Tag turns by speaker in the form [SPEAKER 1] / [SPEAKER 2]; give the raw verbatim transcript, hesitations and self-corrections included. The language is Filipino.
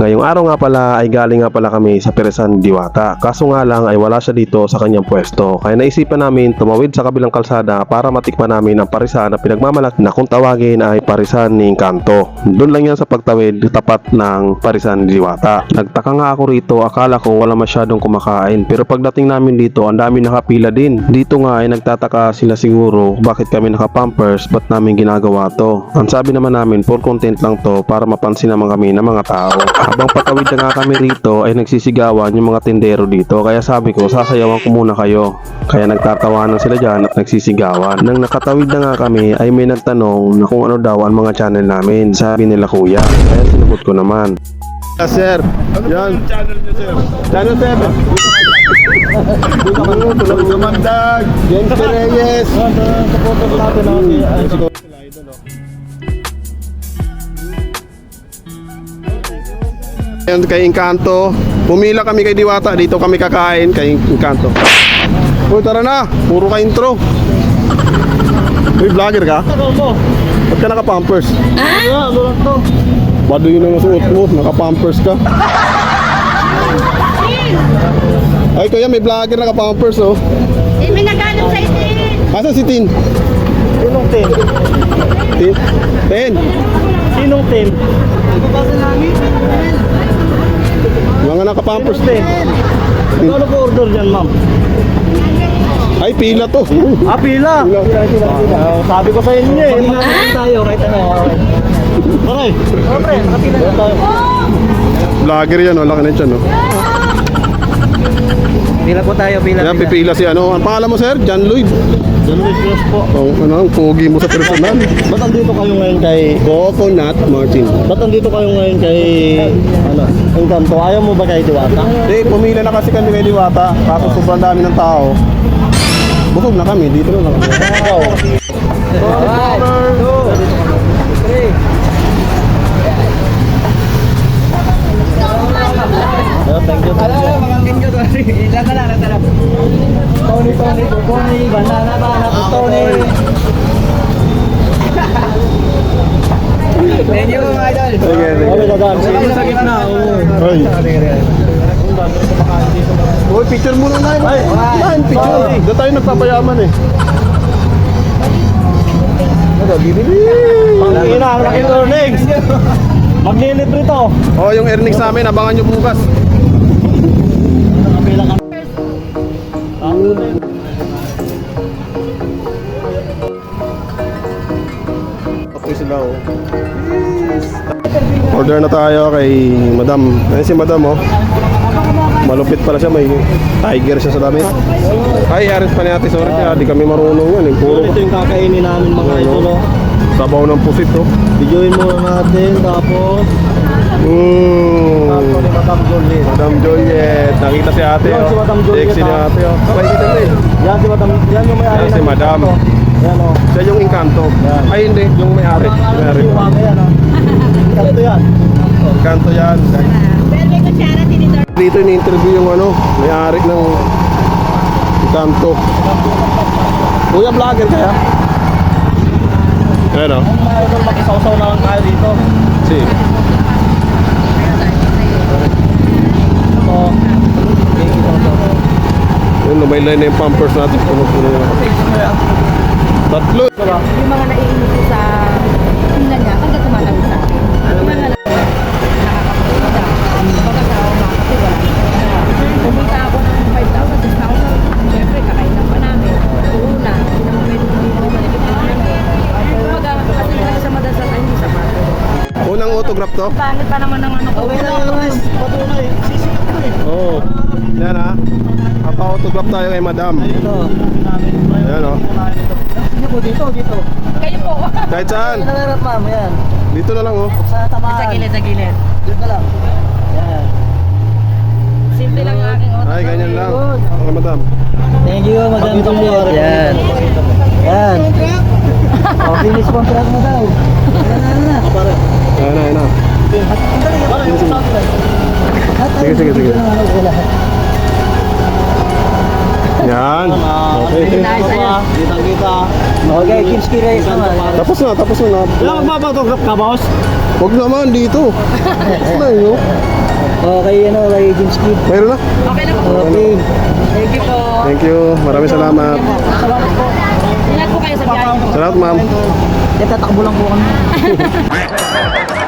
[SPEAKER 1] Ngayong araw nga pala ay galing nga pala kami sa Parisan Diwata. Kaso nga lang ay wala siya dito sa kanyang pwesto. Kaya naisipan namin tumawid sa kabilang kalsada para matikman namin ang parisan na pinagmamalaki na kung tawagin ay Parisan ni Encanto. Doon lang yan sa pagtawid tapat ng Parisan Diwata. Nagtaka nga ako rito, akala ko wala masyadong kumakain. Pero pagdating namin dito, ang dami nakapila din. Dito nga ay nagtataka sila siguro bakit kami naka-pampers, ba't namin ginagawa to. Ang sabi naman namin, for content lang to para mapansin naman kami ng mga tao. Habang patawid na nga kami rito ay nagsisigawan yung mga tindero dito, kaya sabi ko sasayawan ko muna kayo. Kaya nagtatawanan sila dyan at nagsisigawan. Nang nakatawid na nga kami ay may nagtanong na kung ano daw ang mga channel namin. Sabi nila kuya, kaya sinagot ko naman.
[SPEAKER 2] Ah, sir, yan.
[SPEAKER 3] Channel niyo, sir.
[SPEAKER 2] Channel seven. Tulog sa Mandag. James Reyes.
[SPEAKER 3] Supporters natin ako si Idol.
[SPEAKER 2] Yan kay Encanto. Pumila kami kay Diwata. Dito kami kakain kay Encanto. Uy, tara na. Puro ka intro. Uy, vlogger ka?
[SPEAKER 3] Ano mo?
[SPEAKER 2] Ba't ka naka-pampers?
[SPEAKER 3] Ah, ano lang to?
[SPEAKER 2] Bado yun ang suot mo. Naka-pampers ka. Ay, kuya, may vlogger naka-pampers, oh.
[SPEAKER 4] Eh, may naghanap sa itin.
[SPEAKER 2] Asan si Tin?
[SPEAKER 3] Sinong ten?
[SPEAKER 2] Tin? Tin?
[SPEAKER 3] Sinong ten?
[SPEAKER 2] Mga naka-pampers, Tin.
[SPEAKER 3] Ano po order dyan, ma'am?
[SPEAKER 2] Ay, pila to.
[SPEAKER 3] Ah, pila. Ah, sabi ko sa inyo eh. Mag-ano tayo, right na. Aray. Aray, nakapila na tayo.
[SPEAKER 2] Vlogger yan, oh. Laki na siya, no?
[SPEAKER 3] Pila po tayo, pila.
[SPEAKER 2] Yan, pipila si ano. Ang pangalan mo, sir? John Lloyd.
[SPEAKER 3] John Luis Cruz po.
[SPEAKER 2] Oh, ano, ang pogi mo sa personal.
[SPEAKER 3] Ba't andito kayo ngayon kay...
[SPEAKER 2] Coconut Martin.
[SPEAKER 3] Ba't andito kayo ngayon kay... Ano? Encanto? Ayaw mo ba kay Diwata?
[SPEAKER 2] Hindi, pumila na kasi kami kay Diwata. Kaso sobrang dami ng tao. Busog na kami, dito na lang.
[SPEAKER 3] Wow. Alright. Two. Three. Oh, thank you, thank you. Ilan ka lang, ilan Tony, Tony, Tony, banana, banana, Tony. Thank you, mga idol.
[SPEAKER 2] Sige, sige.
[SPEAKER 3] Okay, dadaan. Sige, sa gitna.
[SPEAKER 2] Ay. Uy, picture muna na yun. Ay, yan, picture. Doon tayo nagpapayaman eh. Ano, binili.
[SPEAKER 3] Pangina, ang laking earnings. Maglilibre to.
[SPEAKER 2] Oh, yung earnings namin, abangan nyo bukas. Okay sila, oh. Order na tayo kay Madam. Ayun si Madam, oh. Malupit pala siya, may tiger siya sa damit. Ay, arit pa ni ate, sorry kaya di kami marunong yan eh. Puro
[SPEAKER 3] Ito yung kakainin namin mga idol. Oh.
[SPEAKER 2] sabaw ng pusit, oh.
[SPEAKER 3] Videoin muna natin, tapos
[SPEAKER 2] Mmm.
[SPEAKER 3] tapos ni Madam Jolie.
[SPEAKER 2] Madam Juliet, nakita si ate,
[SPEAKER 3] Yan,
[SPEAKER 2] oh.
[SPEAKER 3] si Madam Juliet,
[SPEAKER 2] Sexy ni
[SPEAKER 3] ah.
[SPEAKER 2] ate, oh. Sabay kita rin.
[SPEAKER 3] Yan si Madam, yan yung may-ari
[SPEAKER 2] Yan si
[SPEAKER 3] ng
[SPEAKER 2] Madam.
[SPEAKER 3] Encanto. Yan o.
[SPEAKER 2] Siya yung Encanto.
[SPEAKER 3] Yan.
[SPEAKER 2] Ay, hindi, yung may-ari. May-ari pa.
[SPEAKER 3] Yan o. Encanto yan.
[SPEAKER 2] Encanto yan.
[SPEAKER 4] Pero may kutsara, tinidor.
[SPEAKER 2] Dito ini-interview yung ano, may-ari ng Encanto. Kuya, vlogger kaya? Ayan, oh.
[SPEAKER 3] Mga idol, makisaw-saw na lang tayo dito.
[SPEAKER 2] Si.
[SPEAKER 3] Ito.
[SPEAKER 2] Yun, lumaylay na yung pampers natin. Puno-puno na. Tatlo.
[SPEAKER 4] Yung mga naiinit sa tingnan niya, pagka tumatawid sa akin. Yung mga nakakapunta. Pagkakawa mga kasi wala. Pumunta ako ng five thousand, six thousand. Siyempre, kakainan pa namin. Una, hindi naman pwede kami naman. Kumbaga, kasi lang sa madasal ay hindi sa mato.
[SPEAKER 2] Unang autograph to?
[SPEAKER 4] Pangit pa naman ng ano ko.
[SPEAKER 3] Okay lang yung guys. Patunay. Sisikap ko eh.
[SPEAKER 2] Oo. Oh. Yan, ha. Papa-autograph tayo kay Madam.
[SPEAKER 3] Ito.
[SPEAKER 2] Ayan, oh.
[SPEAKER 3] Sige po, dito, dito.
[SPEAKER 4] Kayo po.
[SPEAKER 2] Kahit saan.
[SPEAKER 3] Nalarap ma'am, yan.
[SPEAKER 2] Dito na lang, oh.
[SPEAKER 3] Sa tamaan.
[SPEAKER 4] Sa gilid, sa gilid.
[SPEAKER 3] Dito lang. Yan.
[SPEAKER 4] Simple lang ang aking auto.
[SPEAKER 2] Ay, ganyan lang. Okay, Madam.
[SPEAKER 3] Thank you, Madam Juliet. Yan. Yan. Oh, finish contract mo daw. Yan na, yan na.
[SPEAKER 2] Ayan na, ayan na. Sige, sige, sige. Yan. Okay.
[SPEAKER 3] Kita-kita. Okay, Kinski Race naman.
[SPEAKER 2] Tapos na, tapos na.
[SPEAKER 3] Ilang magpapatograph ka, boss?
[SPEAKER 2] Huwag naman dito. Tapos na yun.
[SPEAKER 3] Okay, ano, kay James Kid.
[SPEAKER 2] Mayroon na.
[SPEAKER 4] Okay na po.
[SPEAKER 3] Okay.
[SPEAKER 4] Thank you po.
[SPEAKER 2] Thank you. Maraming salamat.
[SPEAKER 4] Salamat po. Ingat po kayo sa biyahe.
[SPEAKER 2] Salamat, ma'am.
[SPEAKER 3] Yan, tatakbo lang po kami.